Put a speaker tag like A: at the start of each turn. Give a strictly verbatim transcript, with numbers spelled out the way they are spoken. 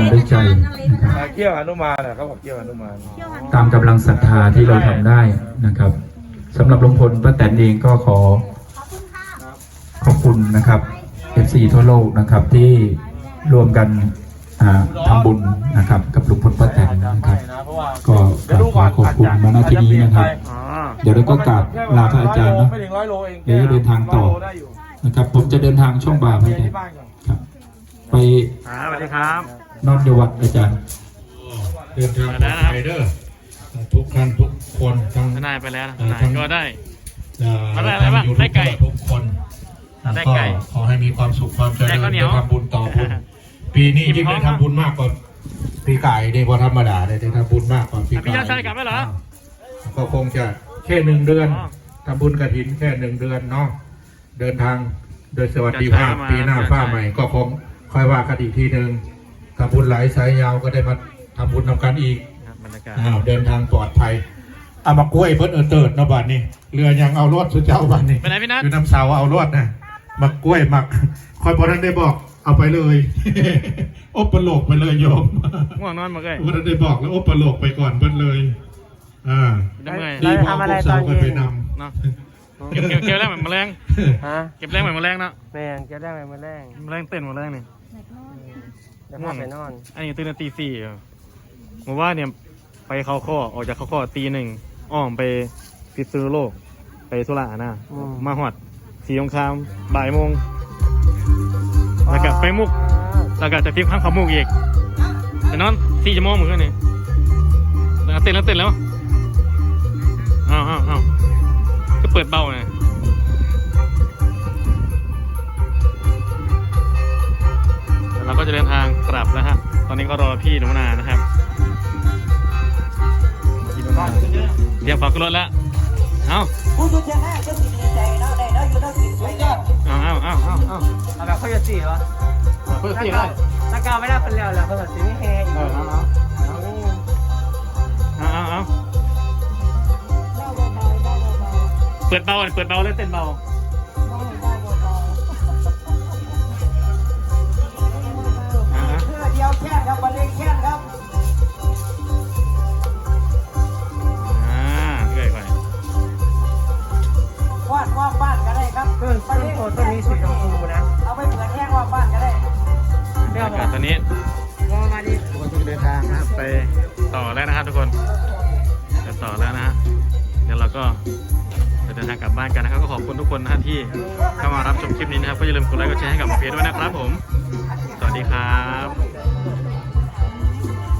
A: ด้วยใจนะครับ
B: เกี่ยวหนุมานอ่ะเขาบอกเกี่ยวหนุมาน
A: ตามกำลังศรัทธาที่เราทำได้นะครับสำหรับลุงพลป้าแตนเองก็ขอขอบคุณนะครับ เอฟ ซี ทั่วโลกนะครับที่รวมกันทำบุญนะครับกับลุงพลป้าแตนนะครับก็ขอขอบคุณมาณที่นี้นะครับเดี๋ยวเราก็กราบลาพระอาจารย์นะเดี๋ยวจะเดินทางต่อนะครับผมจะเดินทางช่วงบ่ายไปครับไป
C: สวัสดีครับ
A: นอนอยู่วัดอาจารย์
D: เดินทางปลอดภัยเด้อทุกท่านทุกคนทั้ง
C: ทนายไปแล้วทนายก็ได้
D: มาได้อะไรบ้างได้ไก่ทุกคนก็ขอให้มีความสุขความเจริญได้ทำบุญต่อบุญปีนี้ยิ่งได้ทำบุญมากกว่าปีไก่ได้พอธรรมดาได้ได้ทำบุญมากกว่าปีไก่พี่ยอดชายกลับแล้วเหรอก็คงจะแค่หนึ่งเดือนทำบุญกฐินแค่หนึ่งเดือนเนาะเดินทางโดยสวัสดิภาพปีหน้าฟ้าใหม่ก็คงค่อยว่ากันอีกทีหนึ่งทำบุญหลายสายยาวก็ได้มาทำบุญทำกันอีกอ้าวเดินทางปลอดภัยเอามากล้วยเพิ่นเออเติร์ดนะบ้านนี้เรือยังเอารถสุดเจ้าบ้านนี้ไปไหนพี่นัทอยู่น้ำเสาเอารถนะมากล้วยมักคอยพอท่านได้บอกเอาไปเลยอบปลกไปเลยโยม
C: ง่วงนอนมาเลย
D: พอท่านได้บอกแล้วอบปลกไปก่อนเพิ่นเลยอ่า
C: ดี
D: พอพวกสาวไปนำ
C: เนาะเก็บเก็บแรงเหมือนแมลงฮะเก็บแรงเหมือนแมลงเนาะ
E: แมงเก็บแรงเหมือนแมลง
C: แมลงเต้นแมลงนี่
E: ง่วงไปนอน
C: อันนี้ตื่นตีสี่ผมว่าเนี่ยไปเข้าข้อออกจากเข้าข้อตีหนึ่งอ้อมไปพิษณุโลกไปสุราษฎร์นะมาหอดสีสงครามบ่ายโมงแล้วก็ไปมุกแล้วก็จะทิ้งข้างขมุกอีกแต่นอนสี่ชั่วโมงเหมือนกันนี่แล้วเต้นแล้วเต้นแล้วอ้าวอ้าวอ้าวก็เปิดเบาไงเราก็จะเดินทางกลับแล้วฮะตอนนี้ก็รอพี่หนูนานะครับเดี๋ยวฝากขึ้นรถแล้วเอาผู้ชุดยังไงก็สิดีใจเนาะได้เนาะอยู่เนาะสิสวยยอดเอาเอาเอาเอาเอาเอาแบบเขาจะสี่เหรอเขาจะสี่ได้ถ้าก้าวไม่ได้เป็นแล้วแล้วเขาจะสี่ไม่แห้งเออเอาเอาเอาเอาเอาเปิดเบาเปิดเบาเลยเต้นเบา
E: เดียวแค่ครับวันเล็กแค่ครับวาดว่าบ้านก็ได้ครับต้นต้นโพต้นนี้สีชมพูนะเอาไปเปิดแห้งว่าบ้านก็ได้
C: เดี๋ยวตอนนี้
E: รอมาดิ
C: ทุกคนจะเดินทางไปต่อแล้วนะครับทุกคนจะต่อแล้วนะฮะเดี๋ยวเราก็จะเดินทางกลับบ้านกันนะครับก็ขอบคุณทุกคนนะที่เข้ามารับชมคลิปนี้นะครับก็อย่าลืมกดไลค์กดแชร์ให้กับหมอเพชรด้วยนะครับผมสวัสดีครับ